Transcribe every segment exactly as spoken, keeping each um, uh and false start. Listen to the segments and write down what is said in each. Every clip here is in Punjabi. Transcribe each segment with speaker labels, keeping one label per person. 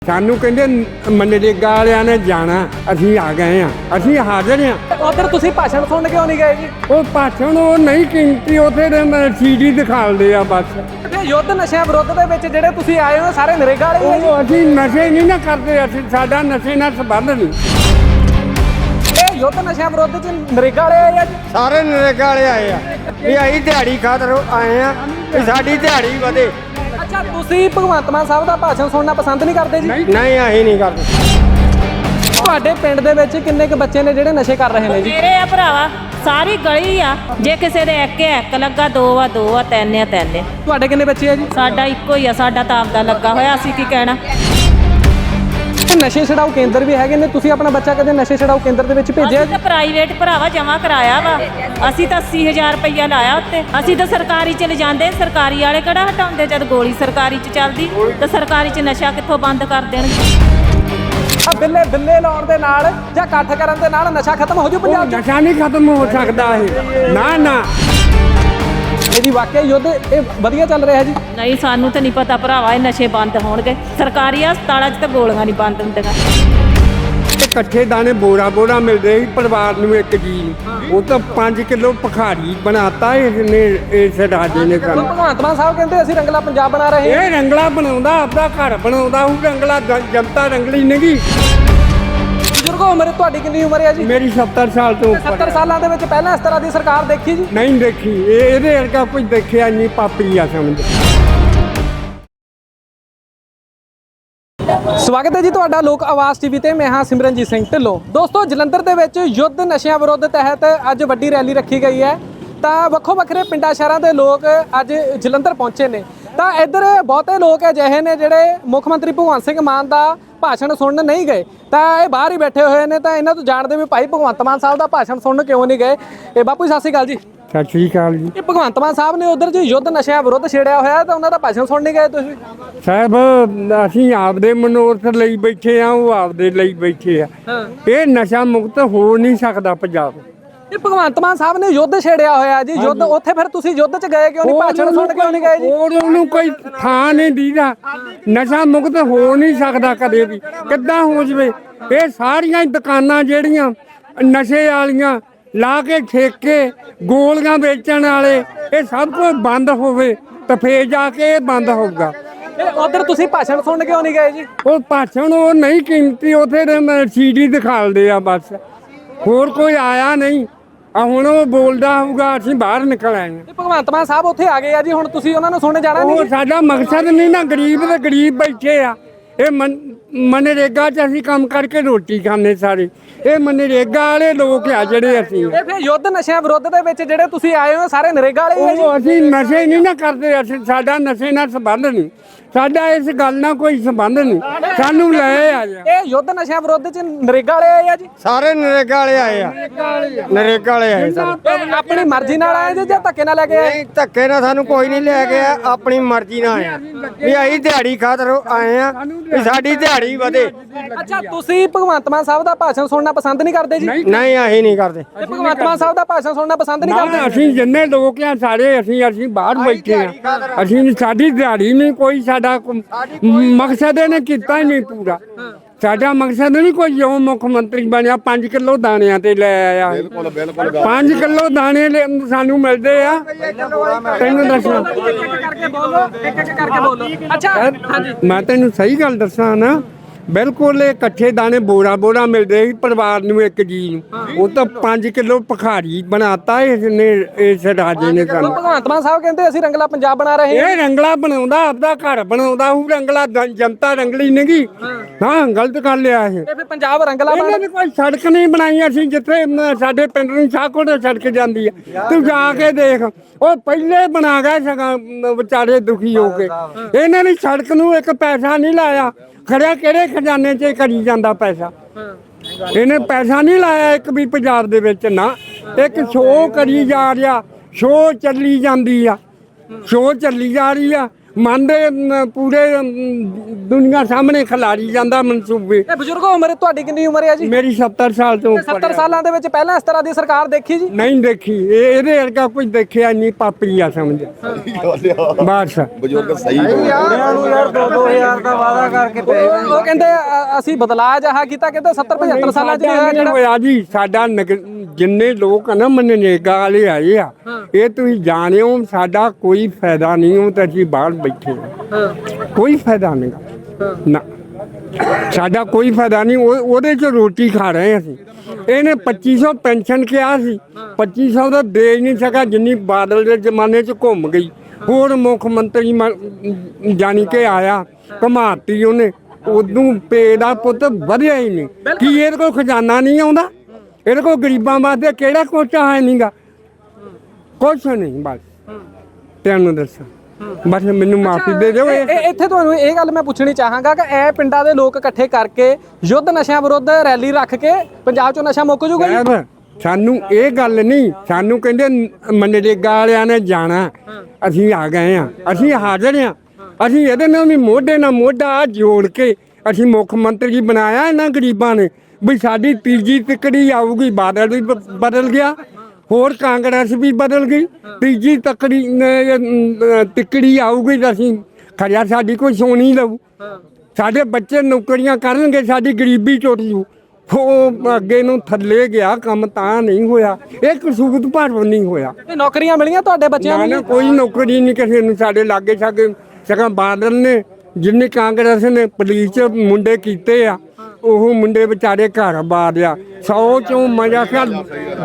Speaker 1: ਸਾਨੂੰ ਕਹਿੰਦੇ ਮਨਰੇਗਾ ਵਾਲਿਆਂ ਨੇ ਜਾਣਾ, ਅਸੀਂ ਆ ਗਏ ਆ, ਅਸੀਂ ਹਾਜ਼ਰ ਆ।
Speaker 2: ਉਧਰ ਤੁਸੀਂ ਭਾਸ਼ਣ ਸੁਣ ਕਿਉਂ ਨਹੀਂ ਗਏ ਜੀ?
Speaker 1: ਉਹ ਭਾਸ਼ਣ ਉਹ ਨਹੀਂ ਕੀਮਤੀ, ਉੱਥੇ ਸੀਡੀ ਦਿਖਾਉਂਦੇ ਆ ਬਸ।
Speaker 2: ਤੇ ਯੁੱਧ ਨਸ਼ਿਆਂ ਵਿਰੁੱਧ ਦੇ ਵਿੱਚ ਜਿਹੜੇ ਤੁਸੀਂ ਆਏ ਹੋ ਸਾਰੇ ਨਰੇਗਾ ਵਾਲੇ ਹੀ ਆ ਜੀ?
Speaker 1: ਉਹ ਅਸੀਂ ਨਸ਼ੇ ਨਹੀਂ ਨਾ ਕਰਦੇ, ਅਸੀਂ ਸਾਡਾ ਨਸ਼ੇ ਨਾਲ ਸੰਬੰਧ ਨਹੀਂ।
Speaker 2: ਇਹ ਯੁੱਧ ਨਸ਼ਿਆਂ ਵਿਰੁੱਧ ਚ ਨਰੇਗਾ ਵਾਲੇ ਆਏ ਆ ਜੀ?
Speaker 1: ਸਾਰੇ ਨਰੇਗਾ ਵਾਲੇ ਆਏ ਆ ਵੀ ਅਸੀਂ ਦਿਹਾੜੀ ਖਾਤਰ ਆਏ ਆ ਵੀ ਸਾਡੀ ਦਿਹਾੜੀ ਵਧੇ।
Speaker 2: ਅੱਛਾ, ਤੁਸੀਂ ਭਗਵੰਤ ਮਾਨ ਸਾਹਿਬ ਦਾ ਭਾਸ਼ਣ ਸੁਣਨਾ ਪਸੰਦ ਨਹੀਂ ਕਰਦੇ ਜੀ?
Speaker 1: ਨਹੀਂ ਅਸੀਂ ਨਹੀਂ ਕਰਦੇ।
Speaker 2: ਤੁਹਾਡੇ ਪਿੰਡ ਦੇ ਵਿੱਚ ਕਿੰਨੇ ਕੁ ਬੱਚੇ ਨੇ ਜਿਹੜੇ ਨਸ਼ੇ ਕਰ ਰਹੇ ਨੇ ਜੀ?
Speaker 3: ਮੇਰੇ ਆ ਭਰਾਵਾ, ਸਾਰੀ ਗਲੀ ਆ। ਜੇ ਕਿਸੇ ਦੇ ਇੱਕ ਇੱਕ ਲੱਗਾ, ਦੋ ਆ ਦੋ ਆ, ਤਿੰਨ ਆ ਤਿੰਨ।
Speaker 2: ਤੁਹਾਡੇ ਕਿੰਨੇ ਬੱਚੇ ਆ ਜੀ?
Speaker 3: ਸਾਡਾ ਇੱਕੋ ਹੀ ਆ, ਸਾਡਾ ਤਾਂ ਆਪਦਾ ਲੱਗਾ ਹੋਇਆ, ਅਸੀਂ ਕੀ ਕਹਿਣਾ।
Speaker 2: ਨਸ਼ੇ ਛਡਾਊ ਕੇਂਦਰ ਵੀ ਹੈਗੇ ਨੇ, ਤੁਸੀਂ ਆਪਣਾ ਬੱਚਾ ਕਦੇ ਨਸ਼ੇ ਛਡਾਊ ਕੇਂਦਰ ਦੇ ਵਿੱਚ ਭੇਜਿਆ?
Speaker 3: ਅਸੀਂ ਤਾਂ ਪ੍ਰਾਈਵੇਟ ਭਰਾਵਾ ਜਮਾ ਕਰਾਇਆ ਵਾ, ਅਸੀਂ ਤਾਂ ਅੱਸੀ ਹਜ਼ਾਰ ਰੁਪਈਆ ਲਾਇਆ ਉੱਤੇ। ਅਸੀਂ ਤਾਂ ਸਰਕਾਰੀ ਚ ਲਿਜਾਂਦੇ, ਸਰਕਾਰੀ ਵਾਲੇ ਕਿਹੜਾ ਹਟਾਉਂਦੇ? ਜਦ ਗੋਲੀ ਸਰਕਾਰੀ ਚ ਚੱਲਦੀ ਤਾਂ ਸਰਕਾਰੀ ਚ ਨਸ਼ਾ ਕਿੱਥੋਂ ਬੰਦ ਕਰ ਦੇਣਗੇ?
Speaker 2: ਆ ਬਿੱਲੇ ਬਿੱਲੇ ਲਾਉਣ ਦੇ ਨਾਲ ਜਾਂ ਇਕੱਠ ਕਰਨ ਦੇ ਨਾਲ ਨਸ਼ਾ ਖਤਮ ਹੋ ਜੂ ਪੰਜਾਬ 'ਚ?
Speaker 1: ਨਸ਼ਾ ਨਹੀਂ ਖਤਮ ਹੋ ਸਕਦਾ ਇਹ, ਨਾ ਨਾ।
Speaker 2: ਇਹ ਜੀ ਵਾਕਿਆ ਯੁੱਧ ਇਹ ਵਧੀਆ ਚੱਲ ਰਿਹਾ ਜੀ?
Speaker 3: ਨਹੀਂ, ਸਾਨੂੰ ਤਾਂ ਨਹੀਂ ਪਤਾ ਭਰਾਵਾ, ਇਹ ਨਸ਼ੇ ਬੰਦ ਹੋਣਗੇ। ਸਰਕਾਰੀ ਹਸਪਤਾਲਾਂ 'ਚ ਤਾਂ ਗੋਲੀਆਂ ਨਹੀਂ ਬੰਦ ਹੁੰਦੀਆਂ।
Speaker 1: ਇਕੱਠੇ ਦਾਣੇ ਬੋਰਾ ਬੋਰਾ ਮਿਲਦੇ ਸੀ ਪਰਿਵਾਰ ਨੂੰ, ਇੱਕ ਜੀ ਨੂੰ। ਉਹ ਤਾਂ ਪੰਜ ਕਿਲੋ ਭਖਾਰੀ ਬਣਾਤਾ ਇਸਨੇ, ਇਸ ਰਾਜੇ ਨੇ ਕੰਮ।
Speaker 2: ਭਗਵੰਤ ਮਾਨ ਸਾਹਿਬ ਕਹਿੰਦੇ ਅਸੀਂ ਰੰਗਲਾ ਪੰਜਾਬ ਬਣਾ ਰਹੇ ਹਾਂ।
Speaker 1: ਇਹ ਰੰਗਲਾ ਬਣਾਉਂਦਾ, ਆਪਦਾ ਘਰ ਬਣਾਉਂਦਾ ਉਹ ਰੰਗਲਾ, ਜਨਤਾ ਰੰਗਲੀ ਨਹੀਂ।
Speaker 2: ਬਜ਼ੁਰਗੋ, ਉਮਰ ਤੁਹਾਡੀ ਕਿੰਨੀ ਉਮਰ ਹੈ ਜੀ?
Speaker 1: ਮੇਰੀ ਸੱਤਰ ਸਾਲ ਤੋਂ ਉੱਪਰ।
Speaker 2: ਸੱਤਰ ਸਾਲਾਂ ਦੇ ਵਿੱਚ ਪਹਿਲਾਂ ਇਸ ਤਰ੍ਹਾਂ ਦੀ ਸਰਕਾਰ ਦੇਖੀ ਜੀ?
Speaker 1: ਨਹੀਂ ਦੇਖੀ, ਇਹ ਇਹਦੇ ਵਰਗਾ ਕੋਈ ਦੇਖਿਆ ਨਹੀਂ, ਪਾਪੀ ਆ ਸਮਝ।
Speaker 2: ਸਵਾਗਤ ਹੈ ਜੀ ਤੁਹਾਡਾ ਲੋਕ ਆਵਾਜ਼ ਟੀਵੀ ਤੇ। ਮੈਂ ਹਾਂ ਸਿਮਰਨਜੀਤ ਸਿੰਘ ਢਿੱਲੋਂ। ਦੋਸਤੋ, ਜਲੰਧਰ ਦੇ ਵਿੱਚ ਯੁੱਧ ਨਸ਼ਿਆਂ ਵਿਰੁੱਧ ਤਹਿਤ ਅੱਜ ਵੱਡੀ ਰੈਲੀ ਰੱਖੀ ਗਈ ਹੈ। ਤਾਂ ਵੱਖੋ ਵੱਖਰੇ ਪਿੰਡਾਂ ਸ਼ਹਿਰਾਂ ਦੇ ਲੋਕ ਅੱਜ ਜਲੰਧਰ ਪਹੁੰਚੇ ਨੇ। ਤਾਂ ਇੱਧਰ ਬਹੁਤੇ ਲੋਕ ਅਜਿਹੇ ਨੇ ਜਿਹੜੇ ਮੁੱਖ ਮੰਤਰੀ ਭਗਵੰਤ ਸਿੰਘ ਮਾਨ ਦਾ ਭਾਸ਼ਣ ਸੁਣਨ ਨਹੀਂ ਗਏ, ਤਾਂ ਇਹ ਬਾਹਰ ਹੀ ਬੈਠੇ ਹੋਏ ਨੇ। ਤਾਂ ਇਹਨਾਂ ਤੋਂ ਜਾਣਦੇ ਵੀ ਭਾਈ ਭਗਵੰਤ ਮਾਨ ਸਾਹਿਬ ਦਾ ਭਾਸ਼ਣ ਸੁਣਨ ਕਿਉਂ ਨਹੀਂ ਗਏ। ਇਹ ਬਾਪੂ ਸਤਿ ਸ਼੍ਰੀ ਅਕਾਲ ਜੀ।
Speaker 1: ਸਤਿ ਸ਼੍ਰੀ ਅਕਾਲ ਜੀ।
Speaker 2: ਇਹ ਭਗਵੰਤ ਮਾਨ ਸਾਹਿਬ ਨੇ ਉਧਰ ਜੀ ਯੁੱਧ ਨਸ਼ਿਆਂ ਵਿਰੁੱਧ ਛੇੜਿਆ ਹੋਇਆ, ਤਾਂ ਉਹਨਾਂ ਦਾ ਭਾਸ਼ਣ ਸੁਣ ਨਹੀਂ ਗਏ ਤੁਸੀਂ?
Speaker 1: ਸਾਹਿਬ, ਅਸੀਂ ਆਪਦੇ ਮਨੋਰਥ ਲਈ ਬੈਠੇ ਆ, ਉਹ ਆਪਦੇ ਲਈ ਬੈਠੇ ਆ। ਇਹ ਨਸ਼ਾ ਮੁਕਤ ਹੋ ਨਹੀਂ ਸਕਦਾ ਪੰਜਾਬ।
Speaker 2: ਇਹ ਭਗਵੰਤ ਮਾਨ ਸਾਹਿਬ ਨੇ ਯੁੱਧ ਛੇੜਿਆ ਹੋਇਆ ਜੀ, ਯੁੱਧ। ਉੱਥੇ ਫਿਰ ਤੁਸੀਂ ਯੁੱਧ 'ਚ ਗਏ ਕਿਉਂ ਨਹੀਂ? ਭਾਸ਼ਣ ਸੁਣ ਕਿਉਂ ਨਹੀਂ ਗਏ ਜੀ?
Speaker 1: ਹੋਰ ਉਹਨੂੰ ਕੋਈ ਥਾਂ ਨਹੀਂ ਦੀਦਾ। ਨਸ਼ਾ ਮੁਕਤ ਹੋ ਨਹੀਂ ਸਕਦਾ ਕਦੇ ਵੀ। ਕਿੱਦਾਂ ਹੋ ਜਵੇ? ਇਹ ਸਾਰੀਆਂ ਦੁਕਾਨਾਂ ਜਿਹੜੀਆਂ ਨਸ਼ੇ ਵਾਲੀਆਂ ਲਾ ਕੇ ਠੇਕੇ, ਗੋਲੀਆਂ ਵੇਚਣ ਵਾਲੇ, ਇਹ ਸਭ ਕੁਝ ਬੰਦ ਹੋਵੇ ਤਾਂ ਫੇਰ ਜਾ ਕੇ ਇਹ ਬੰਦ ਹੋਊਗਾ।
Speaker 2: ਇਹ ਉਧਰ ਤੁਸੀਂ ਭਾਸ਼ਣ ਸੁਣ ਕਿਉਂ ਨਹੀਂ ਗਏ ਜੀ?
Speaker 1: ਉਹ ਭਾਸ਼ਣ ਉਹ ਨਹੀਂ ਕੀਮਤੀ, ਉੱਥੇ ਸੀਡੀ ਦਿਖਾਉਂਦੇ ਆ ਬਸ, ਹੋਰ ਕੋਈ ਆਇਆ ਨਹੀਂ। ਆ ਹੁਣ ਉਹ ਬੋਲਦਾ ਹੋਊਗਾ, ਅਸੀਂ ਬਾਹਰ ਨਿਕਲ ਆਏ ਹਾਂ।
Speaker 2: ਭਗਵੰਤ ਮਾਨ ਸਾਹਿਬ ਉੱਥੇ ਆ ਗਏ ਆ ਜੀ, ਹੁਣ ਤੁਸੀਂ ਉਹਨਾਂ ਨੂੰ ਸੁਣਨ ਜਾਣਾ ਨਹੀਂ?
Speaker 1: ਉਹ ਸਾਡਾ ਮਕਸਦ ਨਹੀਂ ਨਾ, ਗਰੀਬ ਤੇ ਗਰੀਬ ਬੈਠੇ ਆ। ਇਹ ਮਨ ਮਨਰੇਗਾ 'ਚ ਅਸੀਂ ਕੰਮ ਕਰਕੇ ਰੋਟੀ ਖਾਂਦੇ ਸਾਰੇ। ਇਹ ਮਨਰੇਗਾ ਵਾਲੇ ਲੋਕ ਆ ਜਿਹੜੇ ਅਸੀਂ।
Speaker 2: ਇਹ ਫਿਰ ਯੁੱਧ ਨਸ਼ਿਆਂ ਵਿਰੁੱਧ ਦੇ ਵਿੱਚ ਜਿਹੜੇ ਤੁਸੀਂ ਆਏ ਹੋ ਸਾਰੇ ਨਰੇਗਾ ਵਾਲੇ ਹੀ ਆ ਜੀ?
Speaker 1: ਉਹ ਅਸੀਂ ਨਸ਼ੇ ਨਹੀਂ ਨਾ ਕਰਦੇ, ਅਸੀਂ ਸਾਡਾ ਨਸ਼ੇ ਨਾਲ ਸੰਬੰਧ ਨਹੀਂ, ਸਾਡਾ ਇਸ ਗੱਲ ਨਾਲ ਕੋਈ ਸੰਬੰਧ ਨਹੀਂ। ਸਾਨੂੰ ਲੈ ਆ ਜਾ।
Speaker 2: ਇਹ ਯੁੱਧ ਨਸ਼ਿਆਂ ਵਿਰੁੱਧ ਚ ਨਰੇਗਾ ਵਾਲੇ ਆਏ ਆ ਜੀ?
Speaker 1: ਸਾਰੇ ਨਰੇਗਾ ਵਾਲੇ ਆਏ ਆ, ਨਰੇਗਾ ਵਾਲੇ ਆਏ ਸਾਰੇ।
Speaker 2: ਇਹ ਆਪਣੀ ਮਰਜ਼ੀ ਨਾਲ ਆਏ ਜੀ ਜਾਂ ਧੱਕੇ ਨਾਲ ਲੈ ਕੇ ਆਏ?
Speaker 1: ਨਹੀਂ, ਧੱਕੇ ਨਾਲ ਸਾਨੂੰ ਕੋਈ ਨਹੀਂ ਲੈ ਗਿਆ, ਆਪਣੀ ਮਰਜ਼ੀ ਨਾਲ ਆਏ ਆ ਵੀ ਅਸੀਂ ਦਿਹਾੜੀ ਖਾਤਰ ਆਏ ਆ ਵੀ ਸਾਡੀ ਦਿਹਾੜੀ ਵਧੇ।
Speaker 2: ਅੱਛਾ, ਤੁਸੀਂ ਭਗਵੰਤ ਮਾਨ ਸਾਹਿਬ ਦਾ ਭਾਸ਼ਣ ਸੁਣਨਾ ਪਸੰਦ ਨਹੀਂ ਕਰਦੇ ਜੀ?
Speaker 1: ਨਹੀਂ ਅਸੀਂ ਨਹੀਂ ਕਰਦੇ।
Speaker 2: ਇਹ ਭਗਵੰਤ ਮਾਨ ਸਾਹਿਬ ਦਾ ਭਾਸ਼ਣ ਸੁਣਨਾ ਪਸੰਦ ਨਹੀਂ ਕਰਦੇ?
Speaker 1: ਅਸੀਂ ਜਿੰਨੇ ਲੋਕ ਆ ਸਾਰੇ, ਅਸੀਂ ਅਸੀਂ ਬਾਹਰ ਬੈਠੇ ਆ। ਅਸੀਂ ਸਾਡੀ ਦਿਹਾੜੀ ਨਹੀਂ ਕੋਈ, ਸਾਡਾ ਮਕਸਦ ਇਹਨੇ ਕੀਤਾ ਹੀ ਨਹੀਂ ਪੂਰਾ। ਸਾਡਾ ਮਕਸਦ ਨਹੀਂ ਕੋਈ, ਜੋ ਮੁੱਖ ਮੰਤਰੀ ਬਣਿਆ ਪੰਜ ਕਿਲੋ ਦਾਣਿਆਂ ਤੇ ਲੈ ਆਇਆ। ਬਿਲਕੁਲ ਬਿਲਕੁਲ ਪੰਜ ਕਿਲੋ ਦਾਣੇ ਸਾਨੂੰ ਮਿਲਦੇ ਆ। ਤੈਨੂੰ ਦੱਸਾਂ,
Speaker 2: ਇੱਕ ਇੱਕ ਕਰਕੇ ਬੋਲੋ, ਇੱਕ ਇੱਕ ਕਰਕੇ ਬੋਲੋ। ਅੱਛਾ, ਹਾਂਜੀ,
Speaker 1: ਮੈਂ ਤੈਨੂੰ ਸਹੀ ਗੱਲ ਦੱਸਾਂ ਨਾ, ਬਿਲਕੁਲ ਇਕੱਠੇ ਦਾਣੇ ਬੋਰਾ ਬੋਰਾ ਮਿਲਦੇ ਸੀ ਪਰਿਵਾਰ ਨੂੰ, ਇੱਕ ਜੀ ਨੂੰ। ਉਹ ਤਾਂ ਪੰਜ ਕਿਲੋ ਭਖਾਰੀ ਬਣਾਤਾ ਇਸਨੇ, ਇਸ ਰਾਜੇ ਨੇ ਕੰਮ।
Speaker 2: ਭਗਵੰਤ ਮਾਨ ਸਾਹਿਬ ਕਹਿੰਦੇ ਅਸੀਂ ਰੰਗਲਾ ਪੰਜਾਬ ਬਣਾ ਰਹੇ ਹਾਂ।
Speaker 1: ਇਹ ਰੰਗਲਾ ਬਣਾਉਂਦਾ, ਆਪਦਾ ਘਰ ਬਣਾਉਂਦਾ ਉਹ ਰੰਗਲਾ, ਜਨਤਾ ਰੰਗਲੀ ਨਹੀਂ। ਹਾਂ, ਗਲਤ ਕਰ ਲਿਆ ਇਹ।
Speaker 2: ਇਹ ਫਿਰ ਪੰਜਾਬ ਰੰਗਲਾ
Speaker 1: ਇਹਨਾਂ ਨੇ ਕੋਈ ਸੜਕ ਨਹੀਂ ਬਣਾਈ। ਅਸੀਂ ਜਿੱਥੇ ਸਾਡੇ ਪਿੰਡ ਨੂੰ ਸ਼ਾਹਕੋਟ ਸੜਕ ਜਾਂਦੀ ਆ, ਤੂੰ ਜਾ ਕੇ ਦੇਖ, ਉਹ ਪਹਿਲੇ ਬਣਾ ਗਏ ਸਗੋਂ ਵਿਚਾਰੇ ਦੁਖੀ ਹੋ ਕੇ। ਇਹਨਾਂ ਨੇ ਸੜਕ ਨੂੰ ਇੱਕ ਪੈਸਾ ਨਹੀਂ ਲਾਇਆ। ਖੜਿਆ ਕਿਹੜੇ ਖਜ਼ਾਨੇ 'ਚ ਕਰੀ ਜਾਂਦਾ ਪੈਸਾ? ਇਹਨੇ ਪੈਸਾ ਨਹੀਂ ਲਾਇਆ ਇੱਕ ਵੀ ਪੰਜਾਬ ਦੇ ਵਿੱਚ ਨਾ। ਇੱਕ ਸ਼ੋਅ ਕਰੀ ਜਾ ਰਿਹਾ, ਸ਼ੋਅ ਚੱਲੀ ਜਾਂਦੀ ਆ, ਸ਼ੋਅ ਚੱਲੀ ਜਾ ਰਹੀ ਆ। ਮੰਨਦੇ ਨ- ਪੂਰੇ ਅਮ, ਦੁਨੀਆ ਸਾਹਮਣੇ ਖਿਲਾਰੀ ਜਾਂਦਾ ਮਨਸੂਬੇ।
Speaker 2: ਇਹ ਬਜ਼ੁਰਗੋ ਉਮਰ ਤੁਹਾਡੀ ਕਿੰਨੀ ਉਮਰ ਹੈ ਜੀ?
Speaker 1: ਮੇਰੀ ਸੱਤਰ ਸਾਲ ਤੋਂ ਉੱਪਰ
Speaker 2: ਸੱਤਰ
Speaker 1: ਆ।
Speaker 2: ਸਾਲਾਂ ਦੇ ਵਿੱਚ ਪਹਿਲਾਂ ਇਸ ਤਰ੍ਹਾਂ ਦੀ ਸਰਕਾਰ ਦੇਖੀ ਜੀ?
Speaker 1: ਨਹੀਂ ਦੇਖੀ, ਇਹ ਇਹਦੇ ਵਰਗਾ ਕੁਝ ਦੇਖਿਆ ਨਹੀਂ, ਪਾਪੀ ਆ ਸਮਝ ਬਸ।
Speaker 4: ਬਜ਼ੁਰਗ ਸਹੀ
Speaker 2: ਉਹ ਉਹ ਕਹਿੰਦੇ ਅ- ਅਸੀਂ ਬਦਲਾਅ ਜਹਾ ਕੀਤਾ, ਕਹਿੰਦੇ ਸੱਤਰ ਪਝੱਤਰ ਸਾਲਾਂ ਚ ਨਹੀਂ ਹੋਇਆ
Speaker 1: ਨਹੀਂ
Speaker 2: ਜਿਹੜਾ।
Speaker 1: ਹੋਇਆ ਜੀ। ਸਾਡਾ ਨਗ- ਜਿੰਨੇ ਲੋਕ ਆ ਨਾ ਮਨਰੇਗਾ ਵਾਲੇ ਆਏ ਆ, ਇਹ ਤੁਸੀਂ ਜਾਣਿਓ ਸਾਡਾ ਕੋਈ ਫਾਇਦਾ ਨਹੀਂ, ਉਹ ਤਾਂ ਅਸੀਂ ਬਾਹਰ ਬੈਠੇ ਆ, ਕੋਈ ਫਾਇਦਾ ਨਹੀਂ ਨਾ, ਸਾਡਾ ਕੋਈ ਫਾਇਦਾ ਨਹੀਂ। ਉਹ ਉਹਦੇ ਚ ਰੋਟੀ ਖਾ ਰਹੇ ਅਸੀਂ। ਇਹਨੇ ਪੱਚੀ ਸੌ ਪੈਨਸ਼ਨ ਕਿਹਾ ਸੀ, ਪੱਚੀ ਸੌ ਦਾ ਦੇ ਹੀ ਨਹੀਂ ਸਕਿਆ, ਜਿੰਨੀ ਬਾਦਲ ਦੇ ਜ਼ਮਾਨੇ ਚ ਘੁੰਮ ਗਈ। ਹੋਰ ਮੁੱਖ ਮੰਤਰੀ ਮ- ਜਾਣੀ ਕਿ ਆਇਆ, ਘਮਾਤੀ ਉਹਨੇ, ਉਦੋਂ ਪੇ ਦਾ ਪੁੱਤ ਵਧਿਆ ਹੀ ਨਹੀਂ। ਕੀ ਇਹਦੇ ਕੋਲ ਖਜ਼ਾਨਾ ਨਹੀਂ ਆਉਂਦਾ? ਇਹਦੇ ਕੋਲ ਗਰੀਬਾਂ ਵਾਸਤੇ ਕਿਹੜਾ ਕੋਚਾ ਹੈ ਨਹੀਂਗਾ, ਕੁਛ ਨਹੀਂ। ਬਸ ਤੈਨੂੰ ਦੱਸਾਂ, ਬਸ ਮੈਨੂੰ ਮਾਫੀ ਦੇ ਦਿਓ।
Speaker 2: ਇਹ- ਇਹ- ਇੱਥੇ ਤੁਹਾਨੂੰ ਇਹ ਗੱਲ ਮੈਂ ਪੁੱਛਣੀ ਚਾਹਾਂਗਾ ਕਿ ਇਹ ਪਿੰਡਾਂ ਦੇ ਲੋਕ ਇਕੱਠੇ ਕਰਕੇ ਯੁੱਧ ਨਸ਼ਿਆਂ ਵਿਰੁੱਧ ਰੈਲੀ ਰੱਖ ਕੇ ਪੰਜਾਬ ਚੋਂ ਨਸ਼ਾ ਮੁੱਕ ਜੂਗਾ ਜੀ?
Speaker 1: ਸਾਹਿਬ, ਸਾਨੂੰ ਇਹ ਗੱਲ ਨਹੀਂ, ਸਾਨੂੰ ਕਹਿੰਦੇ ਮਨਰੇਗਾ ਵਾਲਿਆਂ ਨੇ ਜਾਣਾ, ਅਸੀਂ ਆ ਗਏ ਆ, ਅਸੀਂ ਹਾਜ਼ਰ ਆ। ਅਸੀਂ ਇਹਦੇ ਨਾਲ ਵੀ ਮੋਢੇ ਨਾਲ ਮੋਢਾ ਜੋੜ ਕੇ ਅਸੀਂ ਮੁੱਖ ਮੰਤਰੀ ਬਣਾਇਆ ਇਹਨਾਂ ਗਰੀਬਾਂ ਨੇ, ਵੀ ਸਾਡੀ ਤੀਜੀ ਤਿਕੜੀ ਆਊਗੀ। ਬਾਦਲ ਵੀ ਬ- ਬਦਲ ਗਿਆ, ਹੋਰ ਕਾਂਗਰਸ ਵੀ ਬਦਲ ਗਈ, ਤੀਜੀ ਤਕੜੀ ਅਹ, ਤਿਕੜੀ ਆਊਗੀ ਤਾਂ ਅਸੀਂ ਖਰਿਆ ਸਾਡੀ ਕੋਈ ਸੋਣੀ ਲਊ, ਸਾਡੇ ਬੱਚੇ ਨੌਕਰੀਆਂ ਕਰਨਗੇ, ਸਾਡੀ ਗਰੀਬੀ ਟੁੱਟ ਜੂ। ਉਹ ਅੱਗੇ ਨੂੰ ਥੱਲੇ ਗਿਆ, ਕੰਮ ਤਾਂ ਨਹੀਂ ਹੋਇਆ, ਇਹ ਕਸੂਤ ਭਰਵ ਨਹੀਂ ਹੋਇਆ।
Speaker 2: ਇਹ ਨੌਕਰੀਆਂ ਮਿਲੀਆਂ ਤੁਹਾਡੇ ਬੱਚਿਆਂ
Speaker 1: ਨਾ
Speaker 2: ਨੂੰ
Speaker 1: ਨਾ
Speaker 2: ਜੀ?
Speaker 1: ਕੋਈ ਨੌਕਰੀ ਨਹੀਂ ਕਿਸੇ ਨੂੰ ਸਾਡੇ ਲਾਗੇ ਛਾਗੇ। ਸਗੋਂ ਬਾਦਲ ਨੇ ਜਿੰਨੇ ਕਾਂਗਰਸ ਨੇ ਪੁਲਿਸ ਚ ਮੁੰਡੇ ਕੀਤੇ ਆ, ਉਹ ਮੁੰਡੇ ਵਿਚਾਰੇ ਘਰ ਬਾਰਿਆ। ਸੌ ਚੋਂ ਮਜ਼ਾ ਖਿਆਲ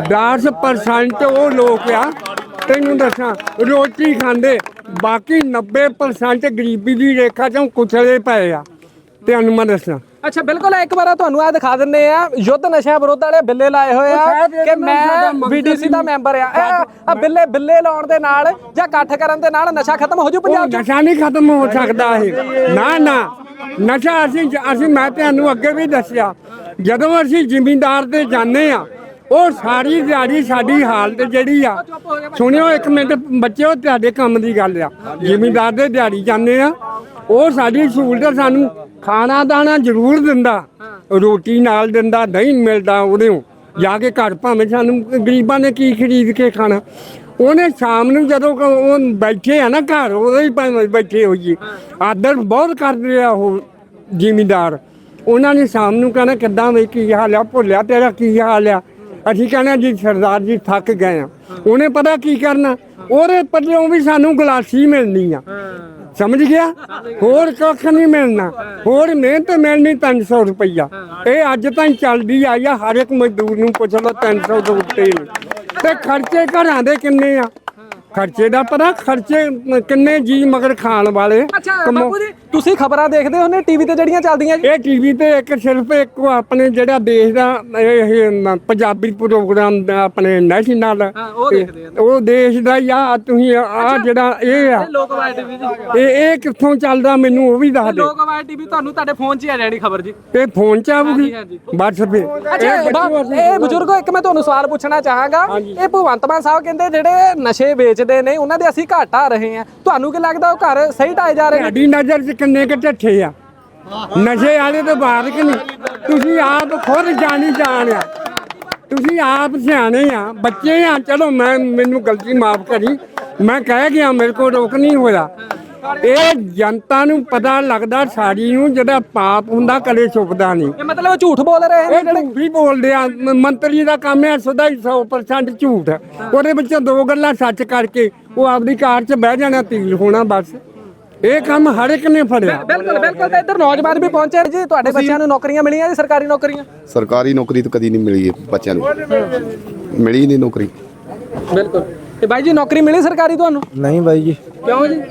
Speaker 1: ਦਸ ਪਰਸੈਂਟ ਉਹ ਲੋਕ ਆ, ਤੈਨੂੰ ਦੱਸਾਂ, ਰੋਟੀ ਖਾਂਦੇ, ਬਾਕੀ ਨੱਬੇ ਪਰਸੈਂਟ ਗਰੀਬੀ ਦੀ ਰੇਖਾ ਚੋਂ ਕੁਚਲੇ ਪਏ ਆ। ਤੈਨੂੰ ਮੈਂ ਦੱਸਾਂ,
Speaker 2: ਅੱਛਾ ਬਿਲਕੁਲ, ਇੱਕ ਵਾਰ ਤੁਹਾਨੂੰ ਆ ਦਿਖਾ ਦਿੰਨੇ ਆ, ਯੁੱਧ ਨਸ਼ਿਆਂ ਵਿਰੁੱਧ ਵਾਲੇ ਬਿੱਲੇ ਲਾਏ ਹੋਏ ਆ
Speaker 1: ਸਾਹਿਬ,
Speaker 2: ਕਿ
Speaker 1: ਇਹਦੇ ਨਾਲ ਸਾਡਾ
Speaker 2: ਮੈਂ
Speaker 1: ਮਕਸਦ
Speaker 2: ਬੀਡੀਸੀ ਦਾ
Speaker 1: ਹੀ-
Speaker 2: ਮੈਂਬਰ ਆ। ਇਹ- ਆ ਬਿੱਲੇ ਬਿੱਲੇ ਲਾਉਣ ਦੇ ਨਾਲ ਜਾਂ ਇਕੱਠ ਕਰਨ ਦੇ ਨਾਲ ਨਸ਼ਾ ਖਤਮ ਹੋ ਜੂ
Speaker 1: ਉਹ
Speaker 2: ਪੰਜਾਬ 'ਚ?
Speaker 1: ਨਸ਼ਾ ਨਹੀਂ ਖਤਮ ਹੋ ਸਕਦਾ ਇਹ, ਨਾ ਨਾ। ਨਸ਼ਾ ਅਸੀਂ ਅਸੀਂ ਮੈਂ ਤੁਹਾਨੂੰ ਅੱਗੇ ਵੀ ਦੱਸਿਆ, ਜਦੋਂ ਅਸੀਂ ਜ਼ਿਮੀਂਦਾਰ ਤੇ ਜਾਂਦੇ ਆ, ਉਹ ਸਾਰੀ ਦਿਹਾੜੀ ਸਾਡੀ ਹਾਲਤ ਜਿਹੜੀ ਆ, ਸੁਣਿਓ ਇੱਕ ਮਿੰਟ ਬੱਚਿਓ, ਤੁਹਾਡੇ ਕੰਮ ਦੀ ਗੱਲ ਆ। ਜ਼ਿਮੀਂਦਾਰ ਦੇ ਦਿਹਾੜੀ ਜਾਂਦੇ ਆ, ਉਹ ਸਾਡੀ ਸਹੂਲਤ ਸਾਨੂੰ ਖਾਣਾ ਦਾਣਾ ਜ਼ਰੂਰ ਦਿੰਦਾ, ਰੋਟੀ ਨਾਲ ਦਿੰਦਾ, ਦਹੀਂ ਮਿਲਦਾ ਉਹਦੇ ਜਾ ਕੇ ਘਰ, ਭਾਵੇਂ ਸਾਨੂੰ ਗਰੀਬਾਂ ਨੇ ਕੀ ਖਰੀਦ ਕੇ ਖਾਣਾ। ਉਹਨੇ ਸ਼ਾਮ ਨੂੰ ਜਦੋਂ ਕ- ਉਹ ਬੈਠੇ ਆ ਨਾ ਘਰ, ਉਹਦੇ ਹੀ ਭਾਵੇਂ ਬੈਠੇ ਹੋਈਏ, ਆਦਰ ਬਹੁਤ ਕਰਦੇ ਆ ਉਹ ਜ਼ਿਮੀਂਦਾਰ। ਉਹਨਾਂ ਨੇ ਸ਼ਾਮ ਨੂੰ ਕਹਿਣਾ ਕਿੱਦਾਂ ਵੀ ਕੀ ਹਾਲ ਆ, ਭੁੱਲਿਆ ਤੇਰਾ ਕੀ ਹਾਲ ਆ? ਅਸੀਂ ਕਹਿਣਾ ਜੀ ਸਰਦਾਰ ਜੀ ਥੱਕ ਗਏ ਆ। ਉਹਨੇ ਪਤਾ ਕੀ ਕਰਨਾ, ਉਹਦੇ ਪੱਲਿਓਂ ਵੀ ਸਾਨੂੰ ਗਲਾਸੀ ਮਿਲਣੀ ਆ, ਸਮਝ ਗਿਆ? ਹੋਰ ਕੱਖ ਨਹੀਂ ਮਿਲਣਾ, ਹੋਰ ਮਿਹਨਤ ਮਿਲਣੀ ਤਿੰਨ ਸੌ ਰੁਪਈਆ। ਇਹ ਅੱਜ ਤਾਈਂ ਚੱਲਦੀ ਆਈ ਆ, ਹਰ ਇੱਕ ਮਜ਼ਦੂਰ ਨੂੰ ਪੁੱਛ ਲਓ, ਤਿੰਨ ਸੌ ਤੋਂ ਉੱਤੇ ਨਹੀਂ। ਤੇ ਖਰਚੇ ਘਰਾਂ ਦੇ ਕਿੰਨੇ ਆ? ਖਰਚੇ ਦਾ ਪਤਾ, ਖਰਚੇ ਕਿੰਨੇ ਜੀ ਮਗਰ ਖਾਣ ਵਾਲੇ।
Speaker 2: ਅੱਛਾ ਬਾਪੂ ਜੀ, ਤੁਸੀਂ ਖਬਰਾਂ ਦੇਖਦੇ ਹੋ ਨੇ ਟੀਵੀ ਤੇ ਜਿਹੜੀਆਂ ਚੱਲਦੀਆਂ ਜੀ?
Speaker 1: ਇਹ ਟੀਵੀ ਤੇ ਇੱਕ ਸਿਰਫ ਇੱਕ ਆਪਣੇ ਜਿਹੜਾ ਦੇਸ਼ ਦਾ ਇਹ ਨ- ਪੰਜਾਬੀ ਪ੍ਰੋਗਰਾਮ ਦਾ ਆਪਣੇ ਨੈਸ਼ਨਲ,
Speaker 2: ਹਾਂ, ਉਹ ਦੇਖਦੇ ਆ।
Speaker 1: ਉਹ ਦੇਸ਼ ਦਾ ਹੀ ਆ। ਤੁਸੀਂ ਆ ਜਿਹੜਾ ਇਹ ਆ,
Speaker 2: ਲੋਕ ਆਵਾਜ਼ ਟੀਵੀ ਜੀ,
Speaker 1: ਇਹ ਇਹ ਕਿੱਥੋਂ ਚੱਲਦਾ ਮੈਨੂੰ ਉਹ ਵੀ ਦੱਸ ਦੇ।
Speaker 2: ਲੋਕ ਆਵਾਜ਼ ਟੀਵੀ ਤੁਹਾਨੂੰ ਤੁਹਾਡੇ ਫੋਨ 'ਚ ਹੀ ਆ ਜਾਣੀ ਖਬਰ ਜੀ।
Speaker 1: ਇਹ ਫੋਨ ਚ ਆਊਗੀ,
Speaker 2: ਹਾਂਜੀ,
Speaker 1: ਬਸ ਫਿਰ
Speaker 2: ਅੱਛਾ
Speaker 1: ਇਹ
Speaker 2: ਬਾ-
Speaker 1: ਬੱਚਿਓ ਅਸੀਂ-
Speaker 2: ਇਹ ਬਜ਼ੁਰਗੋ, ਇੱਕ ਮੈਂ ਤੁਹਾਨੂੰ ਸਵਾਲ ਪੁੱਛਣਾ ਚਾਹਾਂਗਾ। ਇਹ ਭਗਵੰਤ ਮਾਨ ਸਾਹਿਬ ਕਹਿੰਦੇ ਜਿਹੜੇ ਨਸ਼ੇ ਵੇਚਦੇ ਨੇ ਉਹਨਾਂ ਦੇ ਅਸੀਂ ਘਾਟਾ ਰਹੇ ਆ, ਤੁਹਾਨੂੰ ਕੀ ਲੱਗਦਾ ਉਹ ਘਰ ਸਹੀ ਢਾਏ ਜਾ ਰਹੇ ਨੇ?
Speaker 1: ਸਾਡੀ ਨਜ਼ਰ 'ਚ ਕਿੰਨੇ ਕੁ ਢੱਠੇ ਆ ਨਸ਼ੇ ਵਾਲੇ ਤੋਂ ਬਾਹਰ ਕਿ ਨਹੀਂ? ਤੁਸੀਂ ਆਪ ਖੁਦ ਜਾਣੀ ਜਾਣ ਆ, ਤੁਸੀਂ ਆਪ ਸਿਆਣੇ ਆ, ਬੱਚੇ ਆ। ਚਲੋ ਮੈਂ ਮੈਨੂੰ ਗਲਤੀ ਮਾਫ ਕਰੀ, ਮੈਂ ਕਹਿ ਗਿਆ, ਮੇਰੇ ਕੋਲ ਰੋਕ ਨਹੀਂ ਹੋਇਆ। ਇਹ ਜਨਤਾ ਨੂੰ ਪਤਾ ਲੱਗਦਾ ਸਾਡੀ ਨੂੰ, ਜਿਹੜਾ ਪਾਪ ਹੁੰਦਾ ਕਦੇ ਛੁਪਦਾ ਨਹੀਂ।
Speaker 2: ਇਹ ਮਤਲਬ ਉਹ ਝੂਠ ਬੋਲ ਰਹੇ ਨੇ
Speaker 1: ਇਹ ਝੂਠ ਹੀ ਬੋਲਦੇ ਆ। ਮ- ਮੰਤਰੀ ਦਾ ਕੰਮ ਹੈ ਸਦਾ ਹੀ ਸੌ ਪਰਸੈਂਟ ਝੂਠ। ਉਹਦੇ ਵਿੱਚੋਂ ਦੋ ਗੱਲਾਂ ਸੱਚ ਕਰਕੇ ਉਹ ਆਪਦੀ ਕਾਰ 'ਚ ਬਹਿ ਜਾਣਾ, ਤੀਰ ਹੋਣਾ, ਬਸ। ਇਹ ਕੰਮ ਹਰ ਇੱਕ ਨੇ ਫੜਿਆ।
Speaker 2: ਬਿਲਕੁਲ ਬਿਲਕੁਲ। ਤੇ ਇੱਧਰ ਨੌਜਵਾਨ ਵੀ ਪਹੁੰਚੇ ਜੀ, ਤੁਹਾਡੇ ਬੱਚਿਆਂ ਨੂੰ ਨੌਕਰੀਆਂ ਮਿਲੀਆਂ ਜੀ, ਸਰਕਾਰੀ ਨੌਕਰੀਆਂ?
Speaker 4: ਸਰਕਾਰੀ ਨੌਕਰੀ ਤਾਂ ਕਦੀ ਨਹੀਂ ਮਿਲੀ ਬੱਚਿਆਂ ਨੂੰ, ਮਿਲੀ ਨਹੀਂ ਨੌਕਰੀ।
Speaker 2: ਬਿਲਕੁਲ। ਤੇ ਬਾਈ ਜੀ ਨੌਕਰੀ ਮਿਲੀ ਸਰਕਾਰੀ ਤੁਹਾਨੂੰ?
Speaker 5: ਨਹੀਂ ਬਾਈ ਜੀ,
Speaker 2: ਕਿਉਂ ਜੀ?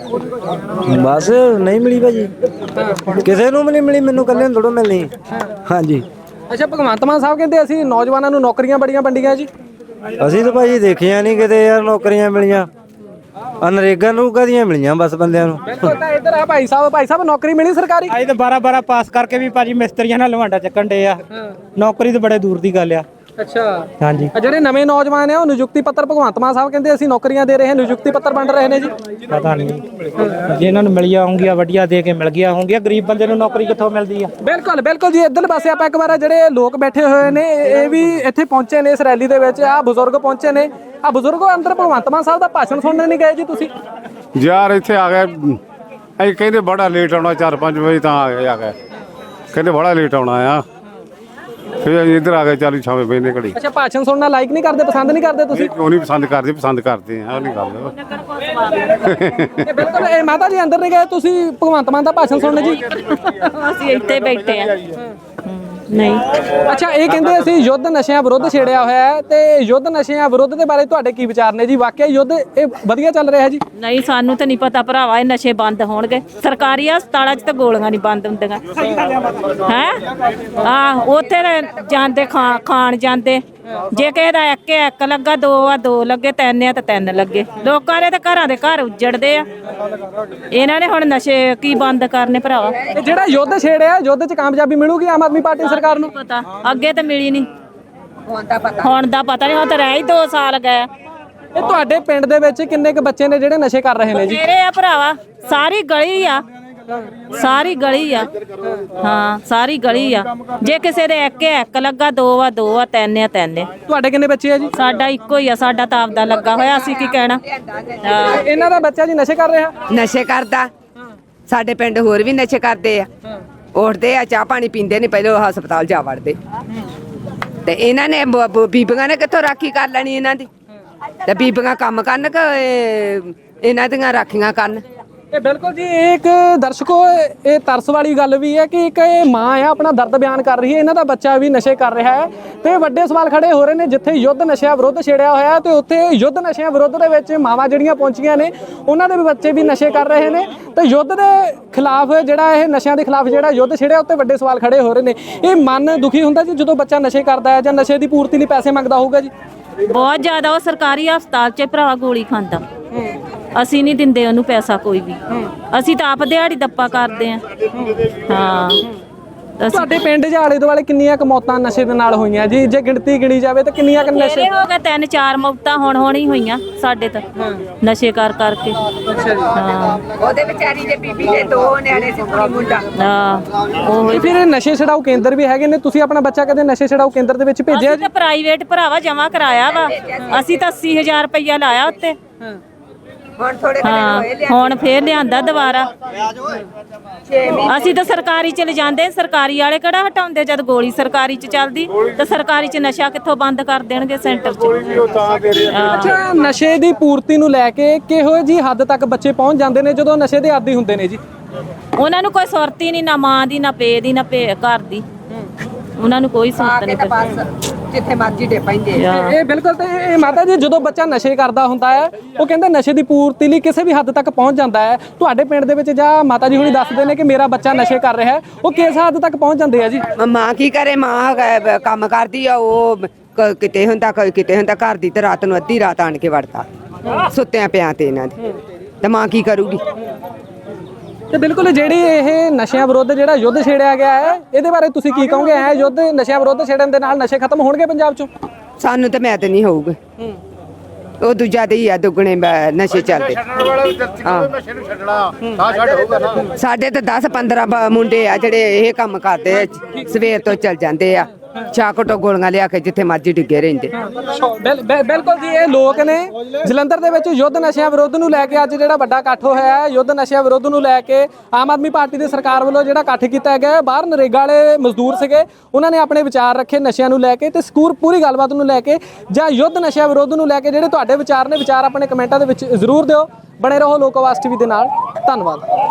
Speaker 5: ਬਸ ਨਹੀਂ ਮਿਲੀ ਭਾਜੀ, ਕਿਸੇ ਨੂੰ ਵੀ ਨਹੀਂ ਮਿਲੀ, ਮੈਨੂੰ ਕੱਲੇ ਨੂੰ ਥੋੜ੍ਹਾ ਮਿਲਣੀ। ਹਾਂਜੀ,
Speaker 2: ਅੱਛਾ ਭਗਵੰਤ ਮਾਨ ਸਾਹਿਬ ਕਹਿੰਦੇ ਅਸੀਂ ਨੌਜਵਾਨਾਂ ਨੂੰ ਨੌਕਰੀਆਂ ਬੜੀਆਂ ਵੰਡੀਆਂ ਜੀ।
Speaker 5: ਅਸੀਂ ਤਾਂ ਭਾਜੀ ਦੇਖੀਆਂ ਨਹੀਂ ਕਿਤੇ ਯਾਰ ਨੌਕਰੀਆਂ ਮਿਲੀਆਂ, ਅਨਰੇਗਾ ਨੂੰ ਕਦੀਆਂ ਮਿਲੀਆਂ ਬਸ ਬੰਦਿਆਂ ਨੂੰ।
Speaker 2: ਬਿਲਕੁਲ। ਤਾਂ ਇੱਧਰ ਆ ਭਾਈ ਸਾਹਿਬ, ਭਾਈ ਸਾਹਿਬ ਨੌਕਰੀ ਮਿਲੀ ਸਰਕਾਰੀ?
Speaker 6: ਅੱਜ ਤਾਂ ਬਾਰਾਂ ਬਾਰਾਂ ਪਾਸ ਕਰਕੇ ਵੀ ਭਾਜੀ ਮਿਸਤਰੀਆਂ ਨਾਲ ਲਵਾਂਡਾ ਚੱਕਣ ਡੇ ਆ। ਨੌਕਰੀ ਤਾਂ ਬੜੇ ਦੂਰ ਦੀ ਗੱਲ ਆ।
Speaker 2: ਅੱਛਾ
Speaker 5: ਹਾਂਜੀ
Speaker 2: ਆ ਜਿਹੜੇ ਨਵੇਂ ਨੌਜਵਾਨ ਆ ਉਹ ਨਿਯੁਕਤੀ ਪੱਤਰ ਭਗਵੰਤ ਮਾਨ ਸਾਹਿਬ ਕਹਿੰਦੇ ਅਸੀਂ ਨੌਕਰੀਆਂ ਦੇ ਰਹੇ ਹਾਂ, ਨਿਯੁਕਤੀ ਪੱਤਰ ਵੰਡ ਰਹੇ ਨੇ ਜੀ।
Speaker 5: ਪਤਾ ਨਹੀਂ ਜੇ ਇਹਨਾਂ ਨੂੰ ਮਿਲੀਆਂ ਹੋਣਗੀਆਂ ਵੱਡੀਆਂ ਦੇ ਕੇ ਮਿਲ ਗਿਆ ਹੋਣਗੀਆਂ, ਗਰੀਬ ਬੰਦੇ ਨੂੰ ਨੌਕਰੀ ਕਿੱਥੋਂ ਮਿਲਦੀ ਆ।
Speaker 2: ਬਿਲਕੁਲ ਬਿਲਕੁਲ ਜੀ। ਇੱਧਰ ਪਾਸੇ ਆਪਾਂ ਇੱਕ ਵਾਰ ਜਿਹੜੇ ਲੋਕ ਬੈਠੇ ਹੋਏ ਨੇ ਇਹ ਵੀ ਇੱਥੇ ਪਹੁੰਚੇ ਨੇ ਇਸ ਰੈਲੀ ਦੇ ਵਿੱਚ। ਆ ਬਜ਼ੁਰਗ ਪਹੁੰਚੇ ਨੇ, ਆ ਬਜ਼ੁਰਗੋ ਅੰਦਰ ਭਗਵੰਤ ਮਾਨ ਸਾਹਿਬ ਦਾ ਭਾਸ਼ਣ ਸੁਣਨ ਨਹੀਂ ਗਏ ਜੀ ਤੁਸੀਂ?
Speaker 6: ਯਾਰ ਇੱਥੇ ਆ ਗਏ ਅਸੀਂ ਕਹਿੰਦੇ ਬੜਾ ਲੇਟ ਆਉਣਾ, ਚਾਰ ਪੰਜ ਵਜੇ ਤਾਂ ਆ ਗਏ ਆ ਗਏ ਕਹਿੰਦੇ ਬੜਾ ਲੇਟ ਆਉਣਾ ਆ, ਫਿਰ ਅਸੀਂ ਇੱਧਰ ਆ ਗਏ ਚਾਲੀ ਛਾਵੇਂ ਬੈਨੇ ਘੜੀ।
Speaker 2: ਅੱਛਾ, ਭਾਸ਼ਣ ਸੁਣਨਾ ਲਾਈਕ ਨਹੀਂ ਕਰਦੇ, ਪਸੰਦ ਨਹੀਂ ਕਰਦੇ ਤੁਸੀਂ?
Speaker 6: ਕਿਉਂ ਨਹੀਂ ਪਸੰਦ ਕਰਦੇ, ਪਸੰਦ ਕਰਦੇ ਆ, ਉਹ ਨਹੀਂ ਗੱਲ।
Speaker 2: ਇਹ ਬਿਲਕੁਲ ਇਹ ਮਾਤਾ ਜੀ ਅੰਦਰ ਨਹੀਂ ਗਏ ਤੁਸੀਂ ਭਗਵੰਤ ਮਾਨ ਦਾ ਭਾਸ਼ਣ ਸੁਣਨ ਜੀ?
Speaker 3: ਅਸੀਂ ਇੱਥੇ ਬੈਠੇ ਆ। ਨਹੀਂ
Speaker 2: ਅੱਛਾ, ਇਹ ਕਹਿੰਦੇ ਅਸੀਂ ਯੁੱਧ ਨਸ਼ਿਆਂ ਵਿਰੁੱਧ ਛੇੜਿਆ ਹੋਇਆ ਹੈ ਤੇ ਯੁੱਧ ਨਸ਼ਿਆਂ ਵਿਰੁੱਧ ਦੇ ਬਾਰੇ ਤੁਹਾਡੇ ਕੀ ਵਿਚਾਰ ਨੇ ਜੀ? ਵਾਕਿਆ ਯੁੱਧ ਇਹ ਵਧੀਆ ਚੱਲ ਰਿਹਾ ਜੀ?
Speaker 3: ਨਹੀਂ, ਸਾਨੂੰ ਤਾਂ ਨਹੀਂ ਪਤਾ ਭਰਾਵਾ, ਇਹ ਨਸ਼ੇ ਬੰਦ ਹੋਣਗੇ। ਸਰਕਾਰੀ ਹਸਪਤਾਲਾਂ 'ਚ ਤਾਂ ਗੋਲੀਆਂ ਨਹੀਂ ਬੰਦ ਹੁੰਦੀਆਂ ਹੈ। ਆ ਉੱਥੇ ਤਾਂ ਜਾਂਦੇ ਖਾ ਖਾਣ ਜਾਂਦੇ, ਜੇ ਕਿਸੇ ਦਾ ਇੱਕ ਇੱਕ ਲੱਗਾ, ਦੋ ਆ ਦੋ ਲੱਗੇ, ਤਿੰਨ ਆ ਤਾਂ ਤਿੰਨ ਲੱਗੇ। ਲੋਕਾਂ ਦੇ ਤਾਂ ਘਰਾਂ ਦੇ ਘਰ ਉੱਜੜਦੇ ਆ। ਇਹਨਾਂ ਨੇ ਹੁਣ ਨਸ਼ੇ ਕੀ ਬੰਦ ਕਰਨੇ ਭਰਾਵਾ?
Speaker 2: ਇਹ ਜਿਹੜਾ ਯੁੱਧ ਛੇੜਿਆ, ਯੁੱਧ 'ਚ ਕਾਮਯਾਬੀ ਮਿਲੂਗੀ ਆਮ ਆਦਮੀ ਪਾਰਟੀ ਸਰਕਾਰ ਨੂੰ?
Speaker 3: ਪਤਾ ਅੱਗੇ ਤਾਂ ਮਿਲੀ ਨਹੀਂ, ਹੁਣ ਦਾ ਪਤਾ ਨਹੀਂ। ਹੁਣ ਤਾਂ ਰਹਿ ਹੀ ਦੋ ਸਾਲ ਗਏ।
Speaker 2: ਇਹ ਤੁਹਾਡੇ ਪਿੰਡ ਦੇ ਵਿੱਚ ਕਿੰਨੇ ਕੁ ਬੱਚੇ ਨੇ ਜਿਹੜੇ ਨਸ਼ੇ ਕਰ ਰਹੇ ਨੇ ਜੀ?
Speaker 3: ਮੇਰੇ ਆ ਭਰਾਵਾ, ਸਾਰੀ ਗਲੀ ਆ, ਸਾਰੀ ਗਲੀ ਆ। ਹਾਂ, ਸਾਰੀ ਗਲੀ ਆ। ਜੇ ਕਿਸੇ ਦੇ ਇੱਕ ਇੱਕ ਲੱਗਾ, ਦੋ ਆ ਦੋ ਆ, ਤਿੰਨ ਆ ਤਿੰਨ ਆ।
Speaker 2: ਤੁਹਾਡੇ ਕਿੰਨੇ ਬੱਚੇ ਆ ਜੀ?
Speaker 3: ਸਾਡਾ ਇੱਕੋ ਹੀ ਆ, ਸਾਡਾ ਤਾਂ ਆਪਦਾ ਲੱਗਾ ਹੋਇਆ, ਅਸੀਂ ਕੀ ਕਹਿਣਾ। ਹਾਂ।
Speaker 2: ਇਹਨਾਂ ਦਾ ਬੱਚਾ ਜੀ ਨਸ਼ੇ ਕਰ ਰਿਹਾ?
Speaker 7: ਨਸ਼ੇ ਕਰਦਾ। ਸਾਡੇ ਪਿੰਡ ਹੋਰ ਵੀ ਨਸ਼ੇ ਕਰਦੇ ਆ, ਉੱਠਦੇ ਆ, ਚਾਹ ਪਾਣੀ ਪੀਂਦੇ ਨੇ, ਪਹਿਲਾਂ ਹਸਪਤਾਲ ਜਾ ਵੜਦੇ। ਤੇ ਇਹਨਾਂ ਨੇ ਬ- ਬ- ਬੀਬੀਆਂ ਨੇ ਕਿੱਥੋਂ ਰਾਖੀ ਕਰ ਲੈਣੀ ਇਹਨਾਂ ਦੀ? ਤੇ ਬੀਬੀਆਂ ਕੰਮ ਕਰਨ ਕਿ ਇਹ- ਇਹਨਾਂ ਦੀਆਂ ਰਾਖੀਆਂ ਕਰਨ?
Speaker 2: ਇਹ ਬਿਲਕੁਲ ਜੀ। ਇਹ ਇੱਕ ਦਰਸ਼ਕੋ ਇਹ ਤਰਸ ਵਾਲੀ ਗੱਲ ਵੀ ਹੈ ਕਿ ਇੱਕ ਇਹ ਮਾਂ ਆ ਆਪਣਾ ਦਰਦ ਬਿਆਨ ਕਰ ਰਹੀ ਹੈ, ਇਹਨਾਂ ਦਾ ਬੱਚਾ ਵੀ ਨਸ਼ੇ ਕਰ ਰਿਹਾ ਹੈ ਤੇ ਵੱਡੇ ਸਵਾਲ ਖੜੇ ਹੋ ਰਹੇ ਨੇ। ਜਿੱਥੇ ਯੁੱਧ ਨਸ਼ਿਆਂ ਵਿਰੁੱਧ ਛੇੜਿਆ ਹੋਇਆ ਤੇ ਉੱਥੇ ਯੁੱਧ ਨਸ਼ਿਆਂ ਵਿਰੁੱਧ ਦੇ ਵਿੱਚ ਮਾਵਾਂ ਜਿਹੜੀਆਂ ਪਹੁੰਚੀਆਂ ਨੇ ਉਹਨਾਂ ਦੇ ਵੀ ਬੱਚੇ ਵੀ ਨਸ਼ੇ ਕਰ ਰਹੇ ਨੇ ਤੇ ਯੁੱਧ ਦੇ ਖਿਲਾਫ ਜਿਹੜਾ ਇਹ ਨਸ਼ਿਆਂ ਦੇ ਖਿਲਾਫ ਜਿਹੜਾ ਯੁੱਧ ਛੇੜਿਆ ਉੱਤੇ ਵੱਡੇ ਸਵਾਲ ਖੜੇ ਹੋ ਰਹੇ ਨੇ। ਇਹ ਮਨ ਦੁਖੀ ਹੁੰਦਾ ਜੀ ਜਦੋਂ ਬੱਚਾ ਨਸ਼ੇ ਕਰਦਾ ਹੈ ਜਾਂ ਨਸ਼ੇ ਦੀ ਪੂਰਤੀ ਲਈ ਪੈਸੇ ਮੰਗਦਾ ਹੋਊਗਾ ਜੀ?
Speaker 3: ਬਹੁਤ ਜ਼ਿਆਦਾ। ਉਹ ਸਰਕਾਰੀ ਹਸਪਤਾਲ 'ਚ ਭਰਾਵਾ ਗੋਲੀ ਖਾਂਦਾ, ਅਸੀਂ ਨਹੀਂ ਦਿੰਦੇ ਉਹਨੂੰ ਪੈਸਾ ਕੋਈ ਵੀ। ਅਸੀਂ ਤਾਂ ਆਪ ਦਿਹਾੜੀ ਦੱਪਾ ਕਰਦੇ ਆ। ਹਾਂ। ਅਸੀਂ
Speaker 2: ਤੁਹਾਡੇ ਪਿੰਡ ਦੇ ਆਲੇ ਦੁਆਲੇ ਕਿੰਨੀਆਂ ਕੁ ਮੌਤਾਂ ਨਸ਼ੇ ਦੇ ਨਾਲ ਹੋਈਆਂ ਜੀ? ਜੇ ਗਿਣਤੀ ਗਿਣੀ ਜਾਵੇ ਤਾਂ ਕਿੰਨੀਆਂ ਕੁ ਨਸ਼ੇ?
Speaker 3: ਮੇਰੇ ਹੋ ਗਏ ਤਿੰਨ ਚਾਰ ਮੌਤਾਂ ਹੁਣ ਹੋਣੀ ਹੋਈਆਂ ਸਾਡੇ ਤਾਂ ਨਸ਼ੇ ਕਰ ਕਰਕੇ। ਹਾਂ।
Speaker 7: ਉਹਦੇ ਵਿਚਾਰੀ ਦੇ ਬੀਬੀ ਦੇ ਦੋ ਨਿਆਣੇ ਸੀ, ਕੁੜੀ ਮੁੰਡਾ।
Speaker 3: ਹਾਂ, ਉਹ
Speaker 2: ਤੇ ਫਿਰ ਇਹ ਨਸ਼ੇ ਛਡਾਊ ਕੇਂਦਰ ਵੀ ਹੈਗੇ ਨੇ, ਤੁਸੀਂ ਆਪਣਾ ਬੱਚਾ ਕਦੇ ਨਸ਼ੇ ਛਡਾਊ ਕੇਂਦਰ ਦੇ ਵਿੱਚ ਭੇਜਿਆ
Speaker 3: ਅਸੀਂ
Speaker 2: ਜੀ?
Speaker 3: ਤਾਂ ਪ੍ਰਾਈਵੇਟ ਭਰਾਵਾ ਜਮਾ ਕਰਾਇਆ ਵਾ। ਅਸੀਂ ਤਾਂ ਅੱਸੀ ਹਜ਼ਾਰ ਰੁਪਇਆ ਲਾਇਆ ਉੱਤੇ।
Speaker 7: ਹੁਣ ਥੋੜੇ
Speaker 3: ਹਾਂ, ਹੁਣ ਫੇਰ ਲਿਆਂਦਾ ਦੁਬਾਰਾ। ਅਸੀਂ ਤਾਂ ਸਰਕਾਰੀ ਚ ਲਿਜਾਂਦੇ, ਸਰਕਾਰੀ ਵਾਲੇ ਕਿਹੜਾ ਹਟਾਉਂਦੇ? ਜਦ ਗੋਲੀ ਸਰਕਾਰੀ ਚ ਚੱਲਦੀ ਤਾਂ ਸਰਕਾਰੀ ਚ ਨਸ਼ਾ ਕਿੱਥੋਂ ਬੰਦ ਕਰ ਦੇਣਗੇ ਸੈਂਟਰ ਚ? ਹਾਂ।
Speaker 2: ਅੱਛਾ, ਨਸ਼ੇ ਦੀ ਪੂਰਤੀ ਨੂੰ ਲੈ ਕੇ ਕਿਹੋ ਜੀ ਹੱਦ ਤੱਕ ਬੱਚੇ ਪਹੁੰਚ ਜਾਂਦੇ ਨੇ ਜਦੋਂ ਨਸ਼ੇ ਦੇ ਆਦੀ ਹੁੰਦੇ ਨੇ ਜੀ?
Speaker 3: ਉਹਨਾਂ ਨੂੰ ਕੋਈ ਸੁਰਤੀ ਨਹੀਂ, ਨਾ ਮਾਂ ਦੀ, ਨਾ ਪੇ ਦੀ, ਨਾ ਭੇ ਘਰ ਦੀ। ਉਹਨਾਂ ਨੂੰ ਕੋਈ ਸੁਰਤ ਨਹੀਂ।
Speaker 7: ਬਸ ਜਿੱਥੇ ਮਰਜੀ ਡੇ ਪੈਂਦੇ।
Speaker 2: ਇਹ ਬਿਲਕੁਲ। ਤੇ ਇਹ ਮਾਤਾ ਜੀ ਜਦੋਂ ਬੱਚਾ ਨਸ਼ੇ ਕਰਦਾ ਹੁੰਦਾ ਹੈ ਉਹ ਕਹਿੰਦੇ ਨਸ਼ੇ ਦੀ ਪੂਰਤੀ ਲਈ ਕਿਸੇ ਵੀ ਹੱਦ ਤੱਕ ਪਹੁੰਚ ਜਾਂਦਾ ਹੈ। ਤੁਹਾਡੇ ਪਿੰਡ ਦੇ ਵਿੱਚ ਜਾਂ ਮਾਤਾ ਜੀ ਹੁਣੀ ਦੱਸਦੇ ਨੇ ਕਿ ਮੇਰਾ ਬੱਚਾ ਨਸ਼ੇ ਕਰ ਰਿਹਾ ਹੈ, ਉਹ ਕਿਸ ਹੱਦ ਤੱਕ ਪਹੁੰਚ ਜਾਂਦੇ ਆ ਜੀ?
Speaker 7: ਮਾਂ ਕੀ ਕਰੇ? ਮਾਂ ਕ- ਕੰਮ ਕਰਦੀ ਆ, ਉਹ ਕ- ਕਿਤੇ ਹੁੰਦਾ ਕ- ਕਿਤੇ ਹੁੰਦਾ, ਘਰ ਦੀ ਤੇ ਰਾਤ ਨੂੰ ਅੱਧੀ ਰਾਤ ਆਣ ਕੇ ਵੜਦਾ ਸੁੱਤਿਆਂ ਪਿਆਂ ਤੇ ਇਹਨਾਂ ਦੇ। ਤੇ ਮਾਂ ਕੀ ਕਰੂਗੀ?
Speaker 2: ਤੇ ਬਿਲਕੁਲ ਜਿਹੜੀ ਇਹ ਨਸ਼ਿਆਂ ਵਿਰੁੱਧ ਜਿਹੜਾ ਯੁੱਧ ਛੇੜਿਆ ਗਿਆ ਹੈ ਇਹਦੇ ਬਾਰੇ ਤੁਸੀਂ ਕੀ ਕਹੋਗੇ? ਇਹ ਯੁੱਧ ਨਸ਼ਿਆਂ ਵਿਰੁੱਧ ਛੇੜਨ ਦੇ ਨਾਲ ਨਸ਼ੇ ਖਤਮ ਹੋਣਗੇ ਪੰਜਾਬ ਚੋਂ?
Speaker 7: ਸਾਨੂੰ ਤੇ ਮੈਂ ਤੇ ਨਹੀਂ ਹੋਊਗਾ। ਉਹ ਦੂਜਾ ਦੇ ਹੀ ਆ, ਦੁੱਗਣੇ ਬ- ਨਸ਼ੇ ਚੱਲਦੇ। ਸਾਡੇ ਤੇ ਦਸ ਪੰਦਰਾਂ ਬ- ਮੁੰਡੇ ਆ ਜਿਹੜੇ ਇਹ ਕੰਮ ਕਰਦੇ ਆ, ਸਵੇਰ ਤੋਂ ਚੱਲ ਜਾਂਦੇ ਆ, ਚਾਕਟੋ ਗੋਲੀਆਂ ਲਿਆ ਕੇ ਜਿੱਥੇ ਮਰਜੀ ਡਿੱਗੇ ਰਹਿੰਦੇ।
Speaker 2: ਬਿਲ- ਬਿਲ- ਬਿਲਕੁਲ ਜੀ। ਇਹ ਲੋਕ ਨੇ ਜਲੰਧਰ ਦੇ ਵਿੱਚ ਯੁੱਧ ਨਸ਼ਿਆਂ ਵਿਰੁੱਧ ਨੂੰ ਲੈ ਕੇ ਅੱਜ ਜਿਹੜਾ ਵੱਡਾ ਇਕੱਠ ਹੋਇਆ ਹੈ, ਯੁੱਧ ਨਸ਼ਿਆਂ ਵਿਰੁੱਧ ਨੂੰ ਲੈ ਕੇ ਆਮ ਆਦਮੀ ਪਾਰਟੀ ਦੀ ਸਰਕਾਰ ਵੱਲੋਂ ਜਿਹੜਾ ਇਕੱਠ ਕੀਤਾ ਗਿਆ, ਬਾਹਰ ਨਰੇਗਾ ਵਾਲੇ ਮਜ਼ਦੂਰ ਸੀਗੇ, ਉਹਨਾਂ ਨੇ ਆਪਣੇ ਵਿਚਾਰ ਰੱਖੇ ਨਸ਼ਿਆਂ ਨੂੰ ਲੈ ਕੇ ਤੇ ਸਕੂਰ ਪੂਰੀ ਗੱਲਬਾਤ ਨੂੰ ਲੈ ਕੇ ਜਾਂ ਯੁੱਧ ਨਸ਼ਿਆਂ ਵਿਰੁੱਧ ਨੂੰ ਲੈ ਕੇ ਜਿਹੜੇ ਤੁਹਾਡੇ ਵਿਚਾਰ ਨੇ, ਵਿਚਾਰ ਆਪਣੇ ਕਮੈਂਟਾਂ ਦੇ ਵਿੱਚ ਜ਼ਰੂਰ ਦਿਓ। ਬਣੇ ਰਹੋ ਲੋਕ ਆਵਾਜ਼ ਟੀਵੀ ਦੇ ਨਾਲ। ਧੰਨਵਾਦ।